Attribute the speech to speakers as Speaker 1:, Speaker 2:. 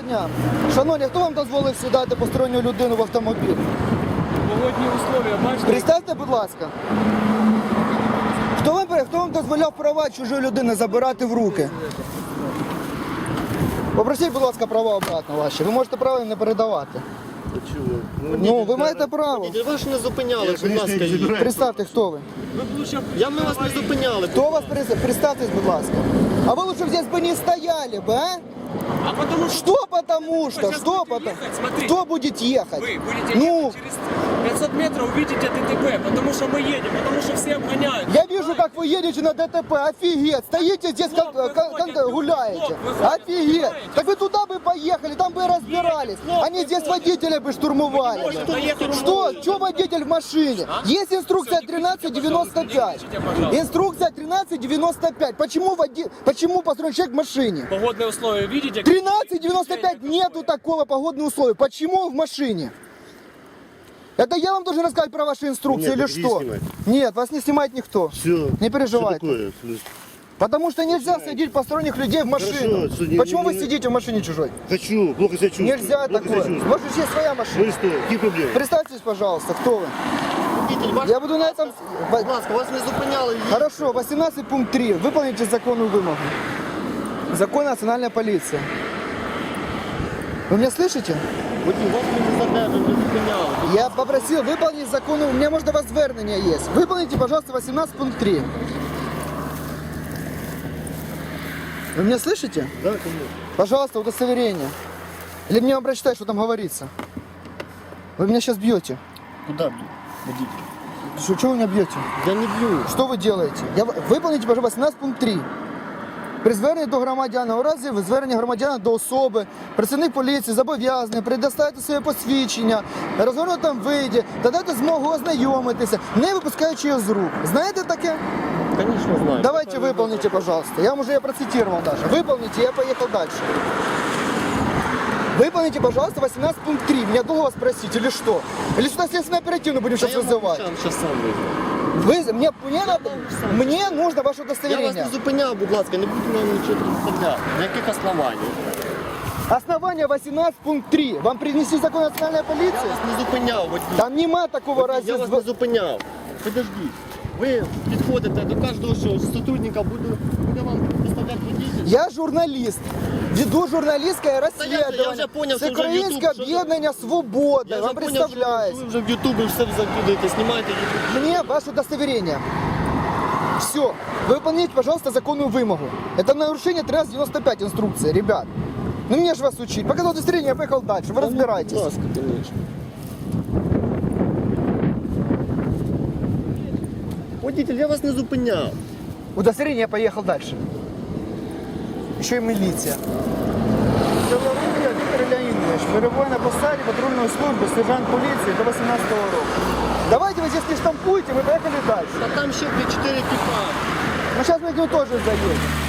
Speaker 1: дня. Шановні, хто вам дозволив сідати посторонню людину в автомобіль?
Speaker 2: Погодні условия, бачите?
Speaker 1: Представте, будь ласка. Хто вам дозволяв права чужої людини забирати в руки? Попросіть, будь ласка, права обратно ваші. Ви можете право їм не передавати. Ну, ви маєте право.
Speaker 3: Ви ж не зупиняли, будь ласка.
Speaker 1: Представте, хто ви.
Speaker 3: Ми вас не зупиняли.
Speaker 1: Кто вас представьтесь, будь ласка. А вы лучше здесь бы не стояли бы, а?
Speaker 2: А потому что...
Speaker 1: Что потому что?
Speaker 2: Сейчас
Speaker 1: Что
Speaker 2: будете
Speaker 1: потом?
Speaker 2: ехать, смотрите.
Speaker 1: Кто будет ехать?
Speaker 2: Вы будете
Speaker 1: Ну,
Speaker 2: ехать через 500 метров, увидите ДТП, потому что мы едем, потому что все обгоняют.
Speaker 1: я вижу, как вы едете на ДТП. Офигеть. Стоите здесь, как гуляете. Офигеть. Так вы туда бы поехали, там бы и разбирались. Они здесь водителя бы штурмовали. Что? Что водитель в машине? Есть инструкция 1395. Инструкция 1395. Почему построен человек в машине?
Speaker 2: Погодные условия видите?
Speaker 1: 1395 нету такого погодных условий. Почему он в машине? Это я вам должен рассказать про ваши инструкции
Speaker 3: Нет,
Speaker 1: или
Speaker 3: иди
Speaker 1: что?
Speaker 3: снимай.
Speaker 1: Нет, вас не снимает никто.
Speaker 3: Все.
Speaker 1: Не переживайте.
Speaker 3: Что такое?
Speaker 1: Потому что нельзя садить посторонних людей в машину.
Speaker 3: Хорошо, что не-
Speaker 1: Почему
Speaker 3: не-
Speaker 1: вы сидите в машине чужой?
Speaker 3: Хочу, плохо себя чувствую.
Speaker 1: Нельзя
Speaker 3: Плохо
Speaker 1: такое.
Speaker 3: себя
Speaker 1: У
Speaker 3: чувствую.
Speaker 1: вас же есть своя
Speaker 3: Ну
Speaker 1: машина.
Speaker 3: и что? Какие проблемы?
Speaker 1: Представьтесь, пожалуйста, кто вы.
Speaker 3: Водитель, ваш...
Speaker 1: Я буду на этом...
Speaker 3: Будь ласка, вас не зупиняли.
Speaker 1: Хорошо, 18 пункт 3. Выполните законную вымогу. Закон национальная полиция. Вы меня слышите?
Speaker 3: Водій, вас не задержали, не зупиняли.
Speaker 1: Я попросил выполнить закон. У меня, может, до вас звернення есть. Выполните, пожалуйста, 18 пункт 3. Вы меня слышите?
Speaker 3: Да, конечно.
Speaker 1: Пожалуйста, удостоверение. Или мне вам прочитать, что там говорится? Вы меня сейчас бьете.
Speaker 3: Куда бью? Водитель.
Speaker 1: Что вы меня бьете?
Speaker 3: Я не бью.
Speaker 1: Что вы делаете? Выполните, пожалуйста, 18 пункт 3. При зверненні до громадяна, у разі звернення громадяна до особи, працівник поліції зобов'язаний предоставити своє посвідчення, розгорнутому виді та дати змогу ознайомитися, не випускаючи його з рук. Знаєте таке?
Speaker 3: Конечно, знаю.
Speaker 1: Давайте выполните, пожалуйста. Я вам уже процитировал даже. Выполните, я поехал дальше. Выполните, пожалуйста, 18 пункт 3. Меня долго вас спросить или что? Или сюда следственно оперативно будем сейчас вызывать?
Speaker 3: Сейчас сам вийду.
Speaker 1: Мне нужно ваше
Speaker 3: Я вас
Speaker 1: удостоверение.
Speaker 3: не зупиняв, будь ласка, не будьте нам нічого представляти. На яких основаннях?
Speaker 1: Основание 18 пункт 3. Вам принесли закон национальной
Speaker 3: Я
Speaker 1: полиции?
Speaker 3: вас не зупиняв, водій.
Speaker 1: Там нема такого
Speaker 3: Я
Speaker 1: разі.
Speaker 3: вас не зупиняв. Подождіть. Ви підходите до кожного що сотрудника, буде вам представляти водитель.
Speaker 1: Я журналіст. Веду журналістське
Speaker 3: я
Speaker 1: розслідування.
Speaker 3: вже поняв,
Speaker 1: Це
Speaker 3: що вже
Speaker 1: Українське
Speaker 3: YouTube, що
Speaker 1: об'єднання Свобода.
Speaker 3: Я
Speaker 1: Вам
Speaker 3: вже поняв, що
Speaker 1: представляюсь.
Speaker 3: ви вже в Ютубі все закидаєте, знімаєте YouTube.
Speaker 1: Мне ваше удостоверение. Все. Выполните, пожалуйста, законную вымогу. Это нарушение 1395 инструкции, ребят. Ну мне же вас учить. Показал удостоверение, я поехал дальше. Вы разбирайтесь.
Speaker 3: Будь ласка, конечно. Водитель, я вас не зупиняв.
Speaker 1: Удостоверение, я поехал дальше. Еще и милиция. Белорусская Виктор Леонидович, перебуває на посаді патрульної служби, сержант поліції до 18-го року. Давайте вы здесь не штампуйте, мы поехали дальше.
Speaker 3: Та там ще 4 типа.
Speaker 1: Ну сейчас мы к нему тоже заедем.